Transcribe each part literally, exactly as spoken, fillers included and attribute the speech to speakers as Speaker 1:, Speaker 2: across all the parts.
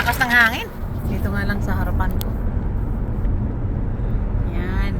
Speaker 1: Lakas ng hangin. Dito nga lang sa harapan ko. Yan.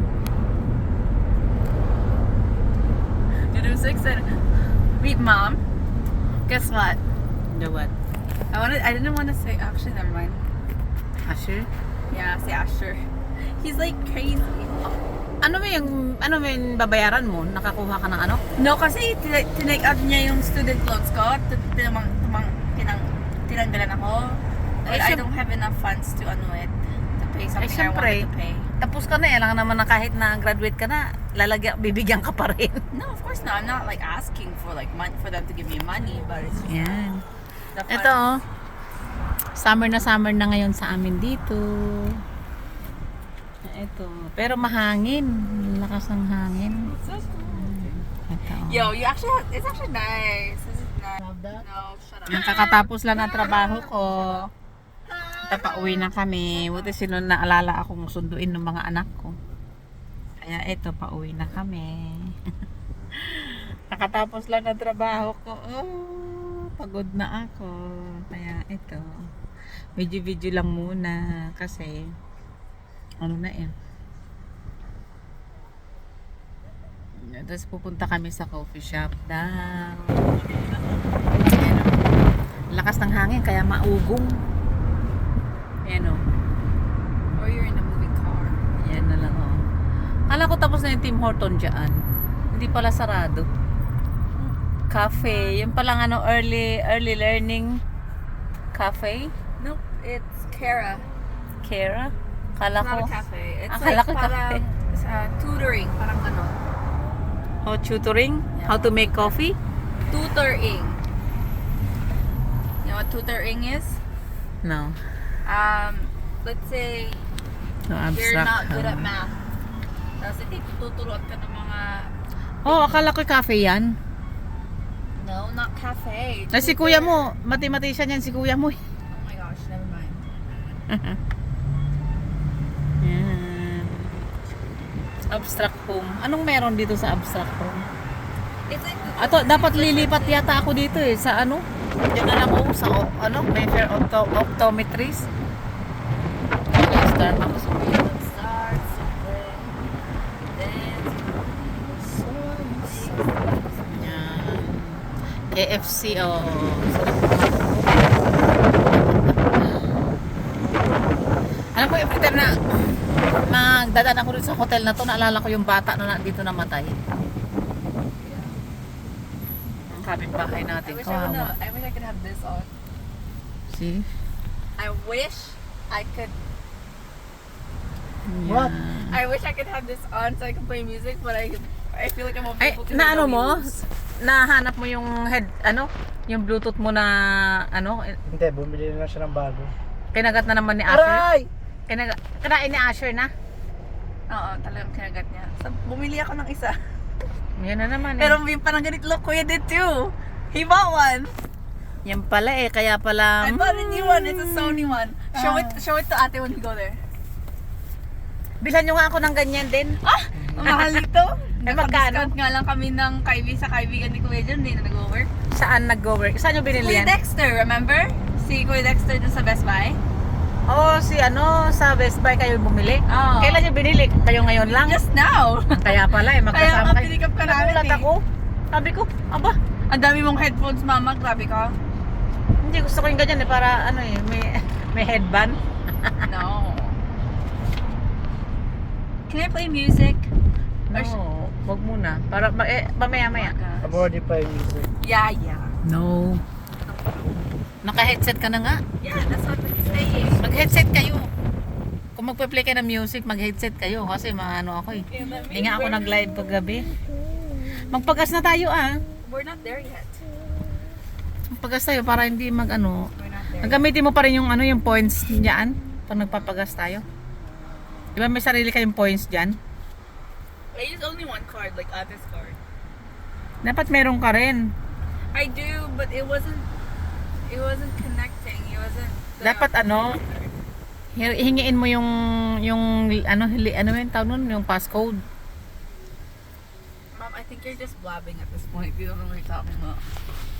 Speaker 2: Dude, I'm so excited. Wait, Mom. Guess what?
Speaker 1: The what?
Speaker 2: I wanted. I didn't want to say. Actually, never mind.
Speaker 1: Asher?
Speaker 2: Yeah, say Asher. He's like crazy.
Speaker 1: Ano mo yung, ano mo yung babayaran mo? Nakakuha ka ng ano?
Speaker 2: No, kasi tin- tinake out niya yung student loans ko. T- Tinamang, tamang, tinang, tinanggalan ako. But
Speaker 1: Eh,
Speaker 2: I
Speaker 1: syem-
Speaker 2: don't have enough funds to ano it. To pay
Speaker 1: Eh,
Speaker 2: something I
Speaker 1: syempre.
Speaker 2: wanted to pay.
Speaker 1: Tapos ka na eh. Alam naman na kahit na graduate ka na, lalagyan, bibigyan ka pa rin.
Speaker 2: No, of course not. I'm not like asking for like money for them to give me money, but it's just
Speaker 1: Yan.
Speaker 2: the funds.
Speaker 1: Ito oh. Summer na summer na ngayon sa amin dito. Ito. Pero mahangin. Lakas ng hangin.
Speaker 2: So cool.
Speaker 1: Ito. oh.
Speaker 2: Yo, you actually have, it's actually nice. This is nice. No, shut up.
Speaker 1: Yung kakatapos lang ng trabaho ko. Ito pa uwi na kami. Buti sino naalala akong sunduin ng mga anak ko. Kaya ito pa uwi na kami. Kakatapos lang ng trabaho ko. Oh, pagod na ako. Kaya ito. Video-video lang muna kasi ano na eh. Tapos pupunta kami sa coffee shop daw. Ayan, oh. Lakas ng hangin kaya maugong. Ayan o.
Speaker 2: Or you're in a moving car.
Speaker 1: Ayan na lang o. Kala ko tapos na yung Tim Horton dyan. Hindi pala sarado. Cafe. Yung palang ano, early early learning cafe.
Speaker 2: Nope, it's Kara.
Speaker 1: Kara? Kala
Speaker 2: It's
Speaker 1: ko.
Speaker 2: not a cafe. It's
Speaker 1: Akala
Speaker 2: like
Speaker 1: ko
Speaker 2: parang
Speaker 1: cafe.
Speaker 2: uh, tutoring. Parang ano.
Speaker 1: Oh, tutoring? How to make coffee?
Speaker 2: Tutoring. You know what tutoring is?
Speaker 1: No.
Speaker 2: Um, let's say
Speaker 1: No,
Speaker 2: you're
Speaker 1: abstract.
Speaker 2: not good
Speaker 1: ah.
Speaker 2: at math. Tapos ito, tuturuan ka ng mga...
Speaker 1: Oh, akala ko cafe yan.
Speaker 2: No, not cafe.
Speaker 1: Na si
Speaker 2: Tutor.
Speaker 1: kuya mo, mathematician yan si kuya mo. eh.
Speaker 2: Oh my gosh, never mind.
Speaker 1: Yan. Abstract home. Anong meron dito sa abstract home?
Speaker 2: It's like...
Speaker 1: Ato, dapat lilipat yata ako dito eh. Sa ano? Diyan na lang ako sa o- ano, Mayfair opto, optometrist. Starbucks.
Speaker 2: Starts with
Speaker 1: Yan. K F C oh. Alam ko, every time na magdadaan ako dito sa hotel na to, naalala ko yung bata na dito namatay. Ang kapitbahay
Speaker 2: I
Speaker 1: natin.
Speaker 2: wish I, would know,
Speaker 1: Kawawa.
Speaker 2: I wish I could have this on.
Speaker 1: See?
Speaker 2: I wish I could...
Speaker 1: What?
Speaker 2: I wish I could have this on so I could play music, but I I feel like I'm
Speaker 1: Ay,
Speaker 2: able to
Speaker 1: na ano
Speaker 2: hear the
Speaker 1: mo?
Speaker 2: wheels.
Speaker 1: Nahanap mo yung head, ano? Yung Bluetooth mo na, ano?
Speaker 3: Hindi, bumili na siya ng bago.
Speaker 1: Kinagat na naman ni Asher.
Speaker 3: Aray!
Speaker 1: Kinagat, kinain ni Asher na.
Speaker 2: Oo, talagang kinagat niya. So, bumili ako ng isa.
Speaker 1: Yan na naman eh.
Speaker 2: Pero yung parang ganito, look, Kuya did too. He bought one.
Speaker 1: Yan pala eh, kaya pala...
Speaker 2: I bought a new one. It's a Sony one. Show
Speaker 1: Ah.
Speaker 2: it show it to ate when you go there.
Speaker 1: Bilhan nyo nga ako ng ganyan din.
Speaker 2: Ah! Ang mahal nito.
Speaker 1: Eh, magkano?
Speaker 2: Naka-discount nga lang kami ng kaibi sa kaibigan ni Kuya John. Hindi na nag-work.
Speaker 1: Saan nag-go-work? Saan nyo binili
Speaker 2: Kuya
Speaker 1: yan?
Speaker 2: Dexter, remember? Si Kuya Dexter dun sa Best Buy.
Speaker 1: Oo, oh, si ano, sa Best Buy kayo bumili.
Speaker 2: Oo.
Speaker 1: Kailan nyo binili? Kayo ngayon lang?
Speaker 2: Just now.
Speaker 1: Kaya pala eh,
Speaker 2: Kaya
Speaker 1: magkasama
Speaker 2: nga
Speaker 1: kayo.
Speaker 2: pinikap ka namin
Speaker 1: Nagulat
Speaker 2: eh.
Speaker 1: ako. Sabi ko, aba,
Speaker 2: Ang dami mong headphones, mama. Grabe ka.
Speaker 1: hindi gusto ko yung ganyan eh, para ano eh, may, may headband.
Speaker 2: No. Can I play music? Or sh-
Speaker 1: No, wag muna. Para, ma- eh, mamaya-maya.
Speaker 3: Abody pa yung music.
Speaker 2: Yeah, yeah.
Speaker 1: No. Naka-headset ka na nga.
Speaker 2: Yeah, that's what I'm saying.
Speaker 1: Mag-headset kayo. Kung magpe-play kayo ng music, mag-headset kayo. Kasi maano ako eh. Hindi nga ako nag-live paggabi. Magpagas na tayo ah.
Speaker 2: We're not there yet.
Speaker 1: Magpagas tayo para hindi mag-ano.
Speaker 2: We're not there.
Speaker 1: Nagamitin mo pa rin yung ano, yung points diyan pag nagpapagas tayo. Di ba may sarili kayong points diyan?
Speaker 2: I use only one card, like Ate's card.
Speaker 1: Dapat meron ka rin.
Speaker 2: I do, but it wasn't. It wasn't connecting. It wasn't. the-
Speaker 1: Dapat ano, hi- hingiin mo yung yung ano, hili, ano yung tawag nun, yung passcode.
Speaker 2: Mom, I think you're just blabbing at this point. You don't know what you're talking about.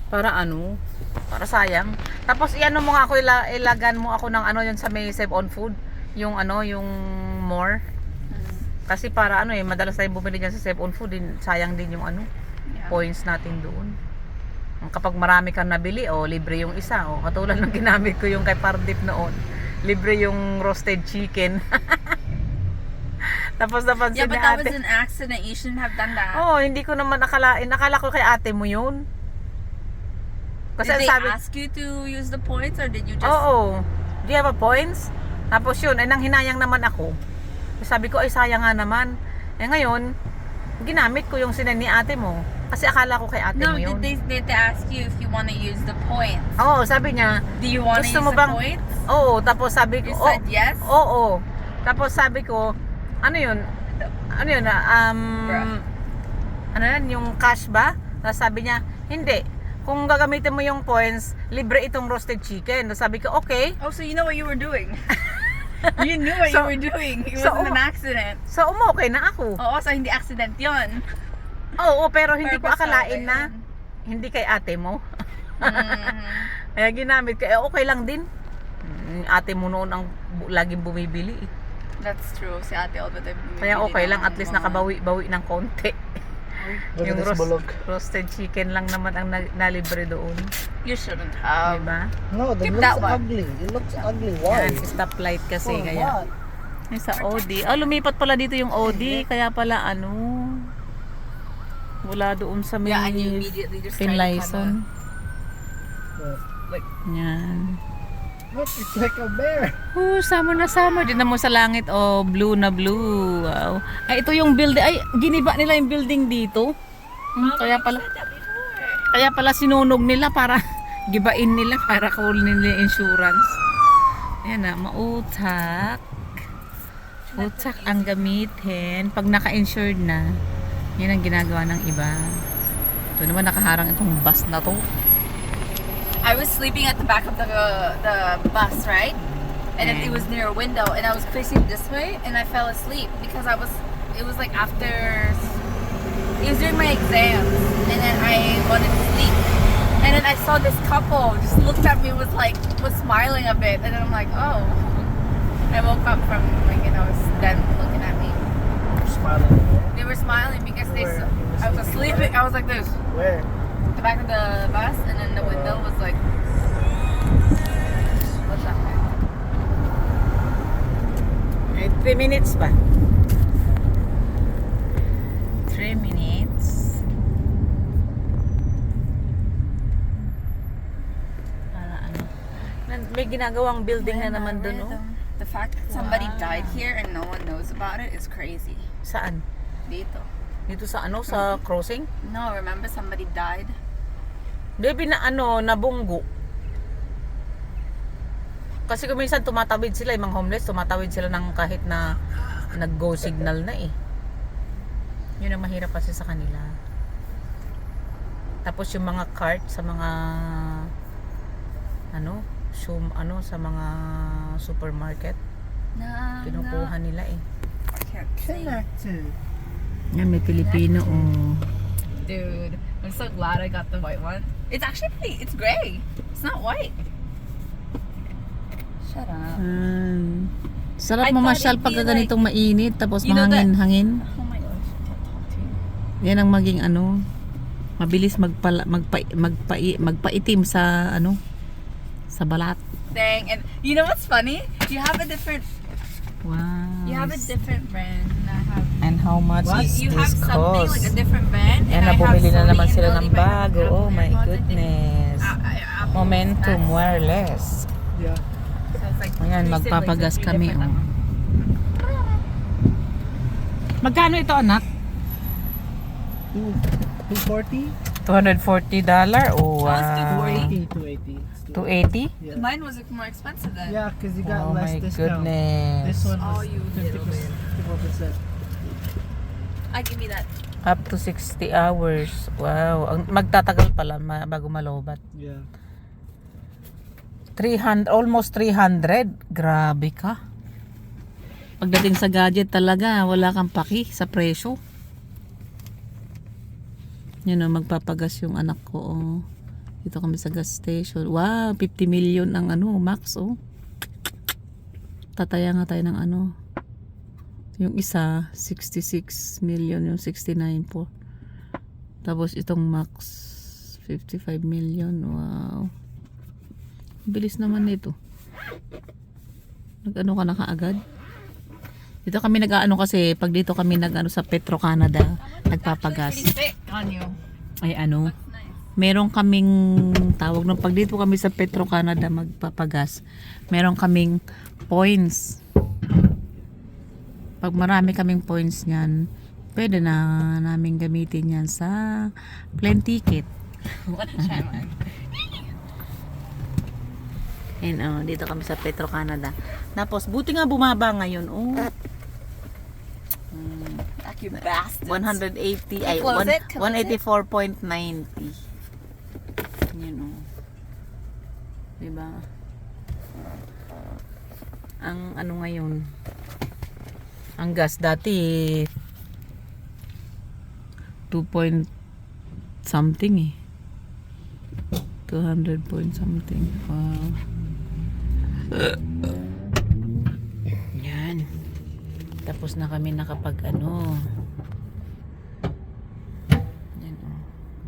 Speaker 1: Para ano? Para sayang. Tapos iano mo nga ako, ila, ilagan mo ako ng ano yun sa may Save on Food. Yung ano, yung more. Kasi para ano eh, madalas tayong bumili dyan sa Save on Food. Din, sayang din yung ano,
Speaker 2: Yeah.
Speaker 1: points natin doon. Kapag marami kang nabili, o oh, libre yung isa. O, oh, katulad ng ginamit ko yung kay Pardip noon. Libre yung roasted chicken. Tapos napansin
Speaker 2: Yeah, but
Speaker 1: ni
Speaker 2: that
Speaker 1: ate.
Speaker 2: was an accident. You shouldn't have done that.
Speaker 1: Oo, oh, hindi ko naman akalain. Akala ko kay ate mo yun. Kasi
Speaker 2: did
Speaker 1: ang
Speaker 2: they
Speaker 1: sabi,
Speaker 2: ask you to use the points or did you just...
Speaker 1: oo, do you have a points? Tapos yun, ay nang hinayang naman ako. Sabi ko, ay sayang nga naman. Eh ngayon, ginamit ko yung sinan ni ate mo. Kasi akala ko kay ate
Speaker 2: No,
Speaker 1: mo yun.
Speaker 2: did they, did they ask you if you want to use the points?
Speaker 1: Oo, sabi niya,
Speaker 2: Do you want to use
Speaker 1: gusto mo
Speaker 2: the
Speaker 1: bang-
Speaker 2: points?
Speaker 1: oo, tapos sabi ko,
Speaker 2: You
Speaker 1: oh,
Speaker 2: said yes?
Speaker 1: oo. Tapos sabi ko, ano yun? Ano yun? ah, Um,
Speaker 2: Bruh.
Speaker 1: ano yan? Yung cash ba? Tapos sabi niya, hindi. Kung gagamitin mo yung points, libre itong roasted chicken. Tapos sabi ko, okay.
Speaker 2: Oh, so you know what you were doing. You knew what
Speaker 1: So-
Speaker 2: you were doing. It
Speaker 1: so-
Speaker 2: wasn't an accident.
Speaker 1: So, umokay na ako.
Speaker 2: Oo, so hindi accident yun.
Speaker 1: Oo, pero hindi ko
Speaker 2: Purpose
Speaker 1: akalain
Speaker 2: talaga
Speaker 1: na
Speaker 2: yun.
Speaker 1: hindi kay ate mo.
Speaker 2: Mhm.
Speaker 1: Kaya ginamit ko, eh, okay lang din. Mm, Ate mo noon ang bu- laging bumibili. eh.
Speaker 2: That's true. Si ate all the time.
Speaker 1: Kaya
Speaker 2: bumibili
Speaker 1: okay lang,
Speaker 2: ng
Speaker 1: at least
Speaker 2: mga-
Speaker 1: nakabawi-bawi ng konti.
Speaker 3: Look
Speaker 1: Yung
Speaker 3: at this
Speaker 1: roast,
Speaker 3: bulog.
Speaker 1: roasted chicken lang naman ang na- nalibre doon.
Speaker 2: You shouldn't have.
Speaker 1: Diba?
Speaker 3: No, that
Speaker 2: Keep
Speaker 3: looks
Speaker 2: that one.
Speaker 3: ugly. It looks ugly. Why?
Speaker 1: Yan, si stoplight kasi.
Speaker 3: For
Speaker 1: Kaya,
Speaker 3: what?
Speaker 1: yung sa O D. Oh, lumipat pala dito yung O D. Kaya pala ano, wala doon sa may
Speaker 2: Yeah, and you immediately just try to
Speaker 1: Finlayson.
Speaker 3: What?
Speaker 2: Like,
Speaker 1: Yan.
Speaker 3: Look, it's like a bear.
Speaker 1: Oh, summer na summer. Din mo sa langit. Oh, blue na blue. Wow. Ay, ito yung building. Ay, giniba nila yung building dito. Hmm, kaya pala, kaya pala sinunog nila para gibain nila para kunin nila yung insurance. Ayan na, mautak. Utak ang gamitin. Pag naka-insured na, yan ang ginagawa ng iba. Ito naman nakaharang itong bus na to.
Speaker 2: I was sleeping at the back of the the bus, right? And it, it was near a window, and I was facing this way, and I fell asleep because I was. It was like after. It was during my exams, and then I wanted to sleep, and then I saw this couple just looked at me was like was smiling a bit, and then I'm like, oh. I woke up from like you know them looking at me.
Speaker 3: You're smiling.
Speaker 2: They were smiling because they.
Speaker 3: Where?
Speaker 2: Saw, I was sleeping. I was like this.
Speaker 3: Where?
Speaker 2: The back of the bus, and then the window was like. What's that?
Speaker 1: Eh, three minutes pa. three minutes. Para ano. Nan- May ginagawang building na naman doon, oh.
Speaker 2: The fact that somebody
Speaker 1: Wow.
Speaker 2: died here and no one knows about it is crazy.
Speaker 1: Saan?
Speaker 2: Dito.
Speaker 1: Dito sa ano? Sa crossing?
Speaker 2: No, remember somebody died?
Speaker 1: Baby na ano, nabunggo. Kasi kung minsan tumatawid sila, yung mga homeless, tumatawid sila ng kahit na nag-go signal na eh. Yun ang mahirap kasi sa kanila. Tapos yung mga cart sa mga ano, sum, ano sa mga supermarket,
Speaker 2: No.
Speaker 1: kinukuha nila eh.
Speaker 2: I can't see.
Speaker 3: Connected.
Speaker 1: Yan, may Pilipino oh.
Speaker 2: Dude, I'm so glad I got the white one. It's actually pretty, it's gray. It's not white. Shut up.
Speaker 1: Um, sarap
Speaker 2: I thought
Speaker 1: mamasyal
Speaker 2: it'd
Speaker 1: pag
Speaker 2: be
Speaker 1: ganitong mainit tapos
Speaker 2: You know that-
Speaker 1: mahangin-hangin.
Speaker 2: Oh my gosh, I can't talk to you.
Speaker 1: Yan ang maging ano, mabilis magpala, magpa, magpa, magpaitim sa ano, sa balat.
Speaker 2: Dang, and you know what's funny? You have a different,
Speaker 1: Wow.
Speaker 2: you have a different brand. And I have.
Speaker 1: And how much
Speaker 3: What?
Speaker 1: is
Speaker 2: You have
Speaker 1: this
Speaker 2: something like a
Speaker 1: cost?
Speaker 2: different brand.
Speaker 1: Yan,
Speaker 2: and I have
Speaker 1: nabumili na
Speaker 2: Sony
Speaker 1: naman
Speaker 2: and
Speaker 1: sila
Speaker 2: Lily,
Speaker 1: ng
Speaker 2: but I have
Speaker 1: bago.
Speaker 2: Apple
Speaker 1: Oh my
Speaker 2: AirPods. I think-
Speaker 1: goodness.
Speaker 2: Uh, uh, Apple
Speaker 1: Momentum
Speaker 2: Max.
Speaker 1: wireless.
Speaker 3: Yeah.
Speaker 2: So it's like
Speaker 1: Ayan,
Speaker 2: three
Speaker 1: magpapagas
Speaker 2: siblings,
Speaker 1: kami,
Speaker 2: three different,
Speaker 1: oh. Magkano ito, anak?
Speaker 3: Two, two forty?
Speaker 1: two hundred forty dollars? Oh,
Speaker 2: Oh, it's
Speaker 1: wow.
Speaker 3: eighty, two eighty. It's
Speaker 1: two eighty?
Speaker 3: Yeah.
Speaker 2: Mine was more expensive then.
Speaker 3: Yeah, because you got
Speaker 1: Oh
Speaker 3: less
Speaker 1: my
Speaker 3: discount.
Speaker 1: goodness.
Speaker 3: This one
Speaker 2: Oh,
Speaker 3: was
Speaker 2: you
Speaker 3: fifty
Speaker 2: little
Speaker 3: percent. fifty-four percent.
Speaker 2: I give me that.
Speaker 1: Up to sixty hours. Wow. Ang magtatagal pala ma- bago malobat.
Speaker 3: Yeah.
Speaker 1: three hundred, almost three hundred. Grabe ka. Pagdating sa gadget talaga, wala kang paki sa presyo. Yun o, magpapagas yung anak ko. Oh. Dito kami sa gas station. Wow, fifty million ang ano, max oh. Tataya nga tayo ng ano. Yung isa, sixty-six million, yung sixty-nine po. Tapos itong max, fifty-five million. Wow. Bilis naman nito. Nag-ano ka na kaagad? Dito kami nag-ano kasi, pag dito kami nag-ano sa Petro Canada, nagpapagas.
Speaker 2: Thick on you.
Speaker 1: Ay ano,
Speaker 2: Nice.
Speaker 1: meron kaming tawag ng pag dito kami sa Petro Canada magpapagas, meron kaming points. Pag marami kaming points niyan, pwede na namin gamitin yan sa plane ticket.
Speaker 2: What a challenge.
Speaker 1: And oh, dito kami sa Petro Canada. Tapos buti nga bumaba ngayon. Oh.
Speaker 2: You bastards.
Speaker 1: one eighty ay
Speaker 2: Close
Speaker 1: one-
Speaker 2: it, close
Speaker 1: one eighty-four point nine zero. Yan oh. Diba? Ang ano ngayon? Ang gas dati two point something eh. two hundred point something. Wow. Yan. Tapos na kami nakapag ano. Yan oh.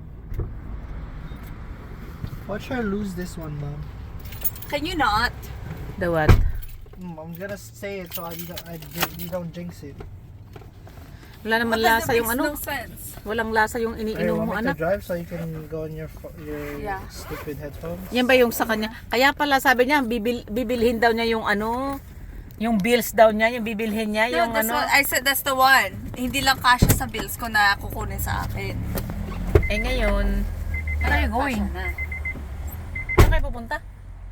Speaker 3: Watch her lose this one, Mom.
Speaker 2: Can you not?
Speaker 1: The what?
Speaker 3: Mm, I'm gonna say it so I, you don't- I, you don't jinx it.
Speaker 1: Wala naman
Speaker 2: What does
Speaker 1: lasa
Speaker 2: that
Speaker 1: yung
Speaker 2: makes
Speaker 1: ano.
Speaker 2: no sense.
Speaker 1: Walang lasa yung
Speaker 3: Hey,
Speaker 1: iniinom mo
Speaker 3: want me to
Speaker 1: anak.
Speaker 3: drive so you can go on your pho- your
Speaker 2: Yeah.
Speaker 3: stupid headphones?
Speaker 1: Yan ba yung sa kanya? Kaya pala sabi niya bibil, bibilhin daw niya yung ano, yung bills daw niya, yung bibilhin niya,
Speaker 2: No,
Speaker 1: yung
Speaker 2: that's
Speaker 1: ano.
Speaker 2: what I said. That's the one. Hindi lang kasya sa bills ko na kukunin sa akin.
Speaker 1: Eh ngayon, where are you going?
Speaker 2: Kasya na.
Speaker 1: Saan kayo pupunta?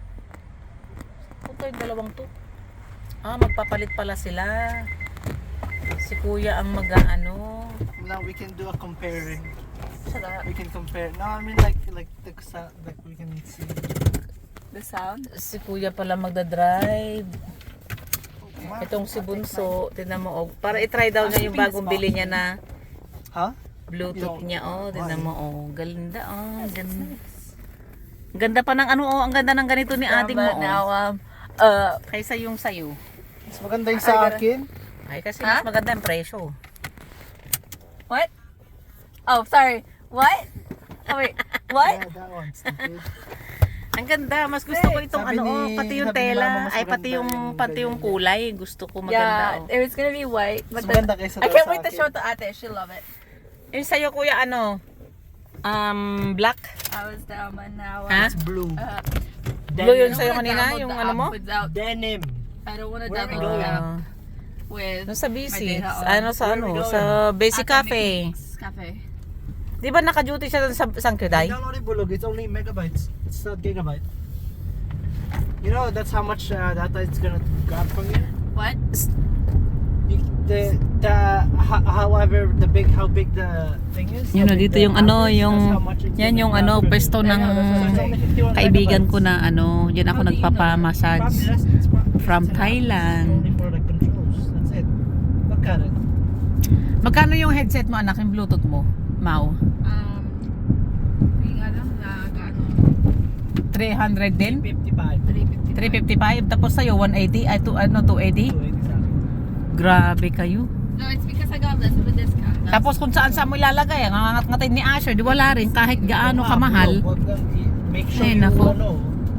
Speaker 1: Punta yung dalawang to. Ah, magpapalit pala sila. Si kuya ang mag-ano.
Speaker 3: Now we can do a comparing.
Speaker 2: Shut up.
Speaker 3: We can compare. No, I mean like like the sa- like we can see.
Speaker 2: The sound.
Speaker 1: Si kuya pala magdadrive.
Speaker 3: Wow.
Speaker 1: Itong si Bunso, tingnan mo, oh, para i-try daw niya yung bagong bili niya na
Speaker 3: Huh?
Speaker 1: Bluetooth niya, oh, tingnan mo, oh, ganda, oh, ganda. Ganda pa ng ano, oh, ang ganda ng ganito ni ating mo,
Speaker 2: But now,
Speaker 1: oh.
Speaker 2: um, uh,
Speaker 1: Kaysa yung sayo.
Speaker 3: Mas maganda yung sa akin.
Speaker 1: Ay, kasi
Speaker 2: Ha?
Speaker 1: mas maganda yung presyo.
Speaker 2: what? Oh, sorry. What? Oh, wait. What?
Speaker 3: Yeah, that one. Stupid.
Speaker 1: Ang ganda, mas gusto ko itong
Speaker 3: Sabi
Speaker 1: ano, oh,
Speaker 3: ni-
Speaker 1: pati yung
Speaker 3: sabi ni Mama,
Speaker 1: tela,
Speaker 3: mas
Speaker 1: ay pati
Speaker 3: maganda
Speaker 1: yung,
Speaker 3: yung
Speaker 1: pati yung
Speaker 3: ganyan.
Speaker 1: kulay, gusto ko maganda,
Speaker 2: Yeah,
Speaker 1: oh.
Speaker 2: it was gonna be white, but
Speaker 3: Mas
Speaker 2: then,
Speaker 3: maganda kaysa
Speaker 2: I
Speaker 3: daw
Speaker 2: can't
Speaker 3: sa
Speaker 2: wait to
Speaker 3: akin.
Speaker 2: show it to Ate. She'll love it.
Speaker 1: Yung sayo, kuya, ano, um, black,
Speaker 2: I was down, but now,
Speaker 1: ha?
Speaker 2: uh,
Speaker 3: Blue.
Speaker 2: uh,
Speaker 1: Blue
Speaker 2: I
Speaker 1: yun
Speaker 2: don't
Speaker 1: sa'yo
Speaker 2: wanna
Speaker 1: kanina,
Speaker 2: download
Speaker 1: yung
Speaker 2: the
Speaker 1: ano
Speaker 2: app
Speaker 1: mo?
Speaker 2: Without,
Speaker 3: Denim.
Speaker 2: I don't wanna
Speaker 3: Where are we
Speaker 2: download the app
Speaker 1: Ah,
Speaker 2: with
Speaker 1: no, sa
Speaker 2: my
Speaker 1: busy,
Speaker 2: data on.
Speaker 1: ano sa
Speaker 3: Where are
Speaker 1: ano,
Speaker 3: we going?
Speaker 1: sa Basic
Speaker 2: Ate
Speaker 1: Cafe.
Speaker 2: Mix Cafe.
Speaker 1: Di ba naka-duty siya dun sa Sangkiday?
Speaker 3: Download Bulog. It's only megabytes. It's not gigabyte. You know that's how much uh, data it's gonna grab from you.
Speaker 2: What?
Speaker 3: you the the ho- however the big how big the thing is.
Speaker 1: Yun
Speaker 3: how
Speaker 1: o,
Speaker 3: big
Speaker 1: dito
Speaker 3: the
Speaker 1: yung
Speaker 3: app
Speaker 1: ano,
Speaker 3: is, that's
Speaker 1: yung,
Speaker 3: how much it's
Speaker 1: yan
Speaker 3: gonna
Speaker 1: yung
Speaker 3: grab
Speaker 1: ano,
Speaker 3: from you.
Speaker 1: pwesto
Speaker 3: Yeah,
Speaker 1: ng
Speaker 3: no, that's what I'm saying. fifty-one
Speaker 1: kaibigan ko
Speaker 3: megabytes.
Speaker 1: na ano, yan ako
Speaker 2: How do you know?
Speaker 1: nagpapamassage.
Speaker 3: Probably that's- it's probably-
Speaker 1: From
Speaker 3: it's an app.
Speaker 1: Thailand.
Speaker 3: It's only for the controls. That's it. Look at it.
Speaker 1: Magkano yung headset mo anak, yung Bluetooth mo? Mau?
Speaker 2: Um, yung ano, na, ano,
Speaker 1: three hundred din?
Speaker 3: fifty-five.
Speaker 1: three fifty-five? Tapos sa'yo, one eighty? Ay, to, ano, two eighty?
Speaker 3: two eighty sa akin.
Speaker 1: Grabe kayo.
Speaker 2: No, it's because I got less of a discount. That's-
Speaker 1: Tapos kung saan saan mo ilalagay, ang angat-ngatin ni Asher, di wala rin, kahit gaano kamahal.
Speaker 3: Wag lang i- Make sure
Speaker 1: Ay,
Speaker 3: you
Speaker 1: nako.
Speaker 3: ano.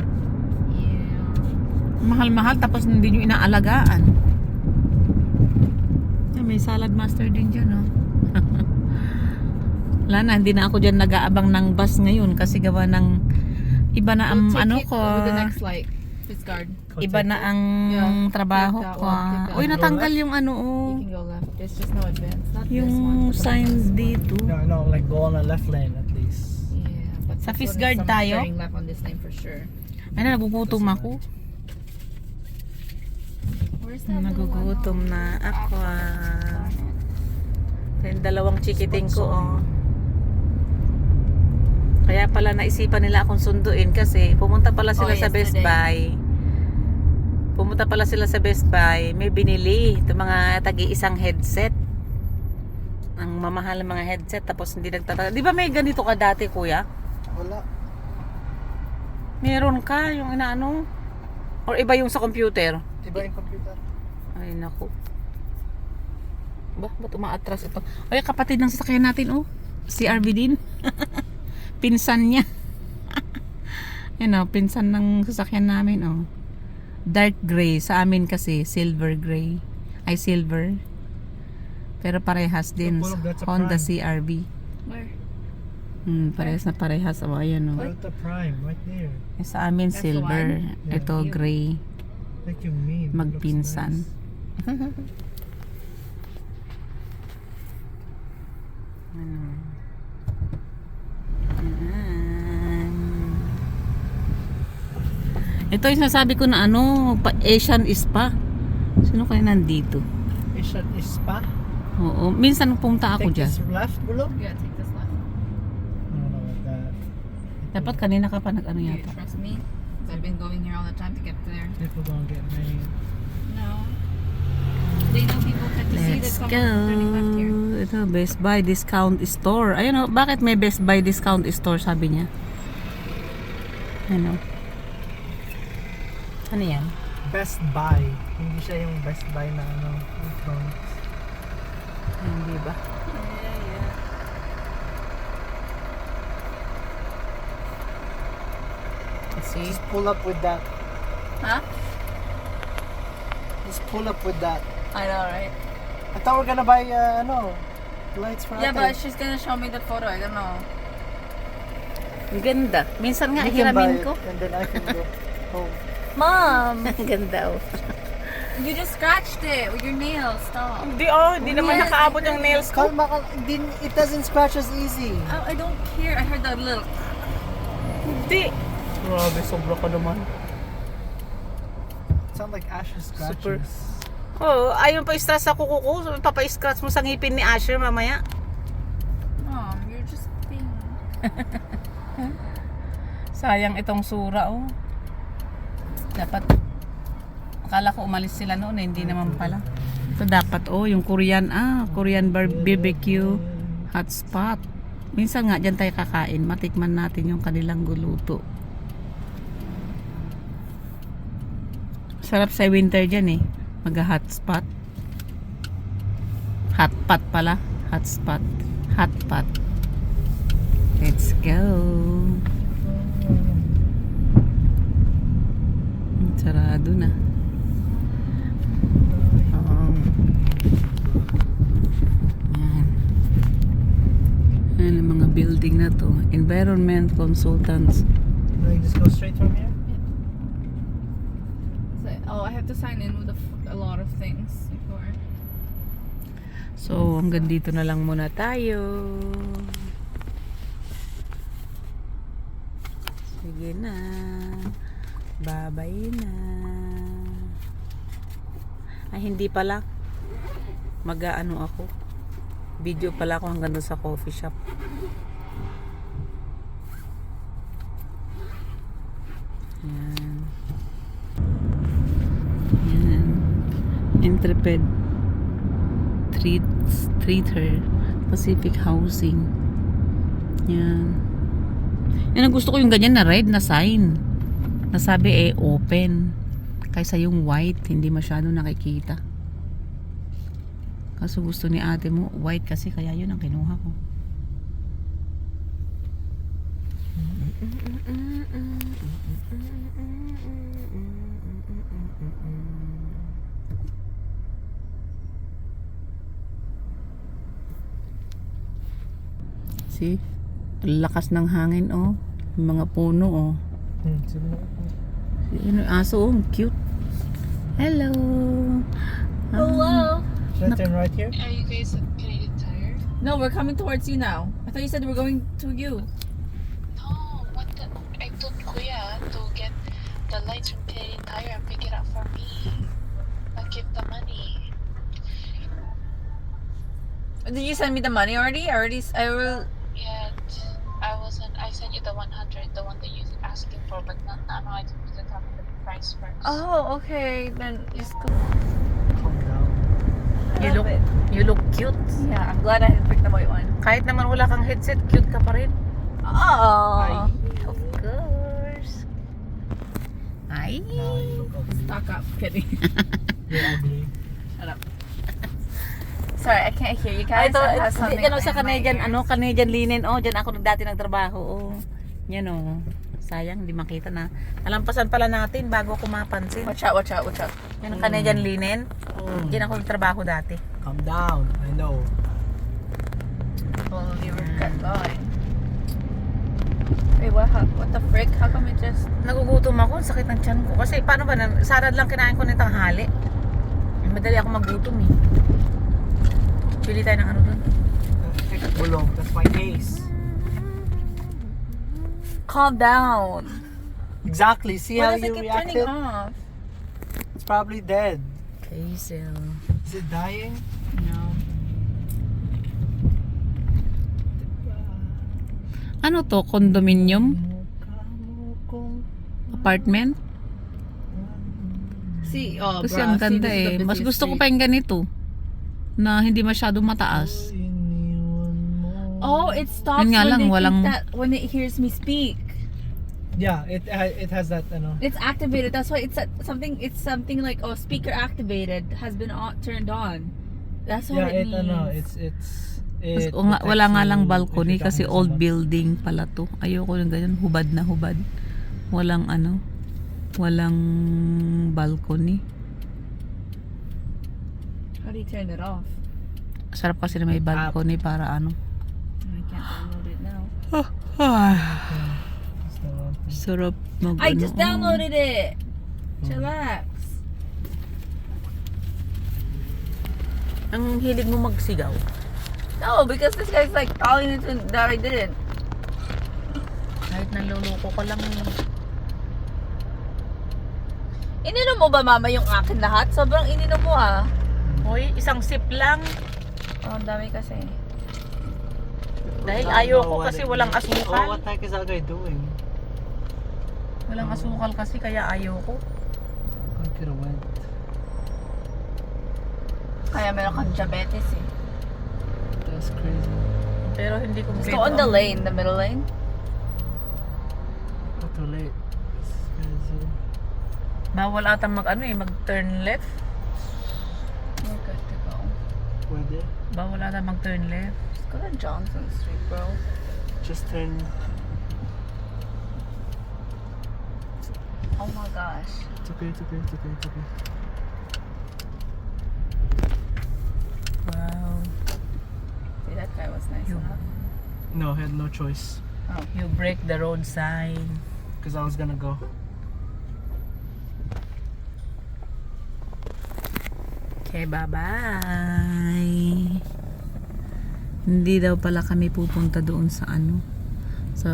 Speaker 2: Yeah.
Speaker 1: Mahal-mahal, tapos hindi nyo inaalagaan. Ay, may salad master din dyan, oh. Wala na, hindi na ako dyan nag-aabang ng bus ngayon kasi gawa ng iba na ang
Speaker 2: We'll take
Speaker 1: ano
Speaker 2: it
Speaker 1: ko.
Speaker 2: with the next light. It's guard.
Speaker 1: Iba na ang
Speaker 2: Yeah.
Speaker 1: trabaho
Speaker 2: Take that
Speaker 1: ko.
Speaker 2: one, take that
Speaker 1: Uy,
Speaker 2: one.
Speaker 1: natanggal yung ano, oh.
Speaker 2: You can go left. There's just no advance. Not this
Speaker 1: Yung
Speaker 2: one.
Speaker 1: sign dito.
Speaker 3: No, no, like go on the left lane at least.
Speaker 2: Yeah, but
Speaker 1: Sa
Speaker 2: this
Speaker 1: Fist
Speaker 2: one is
Speaker 1: Guard
Speaker 2: someone
Speaker 1: tayo?
Speaker 2: turning left on this lane for sure.
Speaker 1: Ay na, nagugutom ako.
Speaker 2: Where's that little one?
Speaker 1: Nagugutom na ako. ah. Yung dalawang chikiting ko, oh. Kaya pala naisipan nila akong sunduin kasi pumunta pala sila
Speaker 2: Oh,
Speaker 1: sa Best
Speaker 2: yesterday.
Speaker 1: Buy. Pumunta pala sila sa Best Buy. May binili. Ito mga tagi-isang headset. Ang mamahal ng mga headset tapos hindi nagtatagal. Di ba may ganito ka dati, kuya?
Speaker 3: Wala.
Speaker 1: Meron ka yung inaano? Or iba yung sa computer?
Speaker 3: Iba yung computer.
Speaker 1: Ay, naku. Ba, ba't umaatras ito? Ay, kapatid ng sasakyan natin, oh. Si R V din. Pinsan niya. Yan, oh, pinsan ng sasakyan namin, oh. Dark gray. Sa amin kasi, silver gray. Ay, silver. Pero parehas din.
Speaker 3: So, that's a
Speaker 1: Honda
Speaker 3: Prime.
Speaker 1: C R V.
Speaker 2: Where?
Speaker 1: Hmm, parehas na parehas. Oh, ayan, oh.
Speaker 3: Toyota Prime, right there.
Speaker 1: Eh, sa amin,
Speaker 2: That's the
Speaker 1: silver.
Speaker 3: one?
Speaker 1: Ito,
Speaker 2: Yeah.
Speaker 1: gray.
Speaker 3: Like you mean. It looks
Speaker 1: Magpinsan.
Speaker 3: nice.
Speaker 1: Ano? Ayan. Ito yung sinasabi ko na ano, pa Asian Spa. Sino kaya nandito?
Speaker 3: Asian Spa.
Speaker 1: Oo, minsan pumunta ako
Speaker 3: Take
Speaker 1: dyan.
Speaker 3: this left, below.
Speaker 2: Yeah, take this left.
Speaker 3: I don't know about that.
Speaker 1: Dapat kanina ka pa nag-ano
Speaker 2: Do you
Speaker 1: yata.
Speaker 2: trust me? 'Cause I've been going here all the time to get there.
Speaker 3: People don't get made.
Speaker 2: No. They know people can see that
Speaker 1: Let's
Speaker 2: someone's
Speaker 1: go.
Speaker 2: turning left here.
Speaker 1: Ito, Best Buy Discount Store. Ayun o, bakit may Best Buy Discount Store sabi niya? Ano? Ano yan?
Speaker 3: Best Buy. Hindi siya yung Best Buy na ano, electronics.
Speaker 1: Hindi ba?
Speaker 2: Yeah, yeah.
Speaker 1: Kasi,
Speaker 3: Just pull up with that.
Speaker 2: Huh?
Speaker 3: Just pull up with that.
Speaker 2: I know, right?
Speaker 3: I thought we're gonna buy uh, ano, lights for
Speaker 2: Yeah,
Speaker 3: ate.
Speaker 2: but she's gonna show me the photo. I don't know.
Speaker 1: ang ganda. Minsan nga,
Speaker 3: You can buy
Speaker 1: hiramin
Speaker 3: it,
Speaker 1: ko.
Speaker 3: and then I can go home.
Speaker 2: Mom,
Speaker 1: Ang ganda oh.
Speaker 2: you just scratched it with your nails. Stop.
Speaker 1: Hindi oh, hindi naman
Speaker 2: Yes,
Speaker 1: nakaabot
Speaker 2: I
Speaker 1: yung
Speaker 2: heard
Speaker 1: nails ko.
Speaker 3: Kalma, kal- din- it doesn't scratch as easy.
Speaker 2: Oh, I don't care. I heard the little.
Speaker 1: Hindi. Grabe, sobra ka naman.
Speaker 3: Sound like Ash's
Speaker 1: Super.
Speaker 3: scratches.
Speaker 1: Oo, oh, ayaw pa stress sa kuko ko. Papa-scratch mo sa ngipin ni Asher mamaya.
Speaker 2: Mom, you're just being.
Speaker 1: Sayang itong sura oh. Dapat, akala ko umalis sila noon eh, hindi naman pala. Ito dapat oh, yung Korean, ah, Korean bar- B B Q hotspot. Minsan nga dyan tayo kakain, matikman natin yung kanilang guluto. Sarap sa winter dyan eh, mag-hotspot. Hotpot pala, hotspot, hotpot. Let's go. Sarado na. Oo. Yan. Yan ang mga building na to. Environment consultants.
Speaker 3: No, you just go straight from here?
Speaker 2: So, oh, I have to sign in with a, f- a lot of things before.
Speaker 1: So, hanggang dito na lang muna tayo. Sige na. Bye-bye na. Ay, hindi pala. Mag-ano ako. Video pala ako hanggang doon sa coffee shop. Yan. Yan. Intrepid Treat, Treater Pacific Housing. Yan. Yan ang gusto ko yung ganyan na red na sign. Nasabi eh open. Kaysa yung white, hindi masyado nakikita. Kaso gusto ni ate mo white kasi kaya yun ang kinuha ko. See? Ang lakas ng hangin oh. Yung mga puno oh.
Speaker 3: Hmm, sige na.
Speaker 1: Yung aso oh, cute. Hello.
Speaker 2: Hello.
Speaker 3: Should I turn right here?
Speaker 4: Are you guys at Canadian Tire?
Speaker 2: No, we're coming towards you now. I thought you said we're going to you.
Speaker 4: No, what the? I told Kuya to get the lights from Canadian Tire and pick it up for me. I'll give the money.
Speaker 2: Did you send me the money already? I already. s- I will.
Speaker 4: Yet, I wasn't. I sent you the one hundred, the one that you're asking for, but not now. I just need to tell me the price first.
Speaker 2: Oh, okay. Then just go.
Speaker 3: Calm down.
Speaker 1: You look, you look cute.
Speaker 2: Yeah, I'm glad I had picked the white one.
Speaker 1: Kahit naman wala kang headset, cute ka pa rin.
Speaker 2: Oh.
Speaker 1: Of course. Ay.
Speaker 3: Now you look ugly.
Speaker 2: Stock up. Kidding.
Speaker 3: You're ugly.
Speaker 2: Shut up. Sorry, I can't hear you
Speaker 1: Ay,
Speaker 2: guys.
Speaker 1: ito,
Speaker 2: I have
Speaker 1: ito,
Speaker 2: something
Speaker 1: dyan oh, sa
Speaker 2: in my
Speaker 1: Canadian,
Speaker 2: ears.
Speaker 1: ano, Canadian linen. Oh, dyan ako dati nagtrabaho. Oh. Yan oh. Sayang, hindi makita na. Nalampasan pala natin bago ko mapansin.
Speaker 2: Watch out, watch out, watch out.
Speaker 1: Yan ang Canadian linen.
Speaker 3: Mm.
Speaker 1: Diyan ako nagtrabaho dati.
Speaker 3: Calm down. I know.
Speaker 2: Well, you were got going. Wait, what, how, what the frick? How come it just...
Speaker 1: Nagugutom ako, ang sakit ng tiyan ko. Kasi paano ba, na- sarad lang kinain ko ng tanghali. Madali ako magutom eh. Pili tayo ng ano dun.
Speaker 3: Bulog. That's my case.
Speaker 2: Calm down.
Speaker 3: Exactly. See
Speaker 2: Why
Speaker 3: how
Speaker 2: does it
Speaker 3: you
Speaker 2: keep
Speaker 3: reacted?
Speaker 2: turning off?
Speaker 3: It's probably dead.
Speaker 1: Hazel.
Speaker 3: Is it dying?
Speaker 1: No. Ano to? Condominium? Apartment?
Speaker 2: See, oh,
Speaker 1: Kasi
Speaker 2: bruh,
Speaker 1: ang
Speaker 2: see,
Speaker 1: ganda
Speaker 2: this is the
Speaker 1: eh. Mas
Speaker 2: busiest
Speaker 1: gusto ko
Speaker 2: street.
Speaker 1: pa yung ganito. Na hindi masyadong mataas.
Speaker 2: Oh, it stops
Speaker 1: Yun nga
Speaker 2: when
Speaker 1: lang,
Speaker 2: they
Speaker 1: walang-
Speaker 2: think that when it hears me speak.
Speaker 3: Yeah, it uh, it has that. Uh, no.
Speaker 2: It's activated. That's why it's a- something. It's something like oh, speaker activated has been on, turned on. That's what
Speaker 3: Yeah,
Speaker 2: it
Speaker 3: it
Speaker 2: means.
Speaker 3: ano, it's it's.
Speaker 1: Mas,
Speaker 3: It
Speaker 1: o nga, wala
Speaker 3: protects
Speaker 1: nga
Speaker 3: you
Speaker 1: lang
Speaker 3: if
Speaker 1: balcony
Speaker 3: you're
Speaker 1: kasi
Speaker 3: talking to
Speaker 1: old
Speaker 3: someone.
Speaker 1: building pala to. Ayoko ng ganyan, hubad na hubad. Walang ano, walang balcony.
Speaker 2: How do you turn it off?
Speaker 1: Sarap kasi na may balcony para ano.
Speaker 2: I can't download it now.
Speaker 3: It's the one thing.
Speaker 1: Sarap mag
Speaker 2: I
Speaker 1: ano,
Speaker 2: just
Speaker 1: oh.
Speaker 2: downloaded it. Chillax.
Speaker 1: Ang hilig mo magsigaw.
Speaker 2: No, because this guy's like calling it to- that I didn't.
Speaker 1: Kahit naluloko ka lang.
Speaker 2: Ininom mo ba mama yung akin lahat? Sobrang ininom mo ah.
Speaker 1: Hoy, isang sip lang.
Speaker 2: Oh, ang dami kasi.
Speaker 1: Dahil
Speaker 3: I don't
Speaker 1: ayoko
Speaker 3: know what
Speaker 1: kasi
Speaker 3: it
Speaker 1: walang
Speaker 3: is. Oh,
Speaker 1: asukal.
Speaker 3: what the heck is that guy doing?
Speaker 1: Walang asukal kasi kaya ayoko.
Speaker 3: I could have went.
Speaker 2: Kaya meron kang diabetes eh.
Speaker 3: That's crazy.
Speaker 1: Pero hindi ko
Speaker 2: Let's go on the lane, the middle lane.
Speaker 3: Not too late. It's crazy.
Speaker 1: Bawal ata mag ano eh, mag turn left.
Speaker 2: We're good to go.
Speaker 3: Where there?
Speaker 1: Bawal ata mag turn left.
Speaker 2: Just go to Johnson Street, bro.
Speaker 3: Just turn.
Speaker 2: Oh my gosh.
Speaker 3: It's okay. It's okay. It's okay. It's okay.
Speaker 1: Wow.
Speaker 2: See, that guy was nice
Speaker 1: You-
Speaker 2: enough.
Speaker 3: No, I had no choice
Speaker 1: You break the road sign.
Speaker 3: because I was gonna go.
Speaker 1: Okay, bye-bye. Hindi daw pala kami pupunta doon sa ano, sa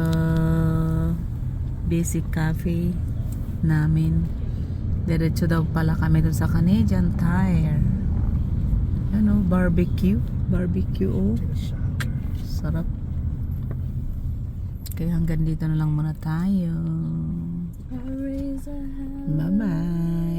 Speaker 1: basic cafe namin. Diretso daw pala kami doon sa Canadian Tire. Ano, barbecue. Barbecue, oh.
Speaker 3: Take a shot.
Speaker 1: Sarap. Kaya hanggang dito na lang muna tayo. Bye-bye.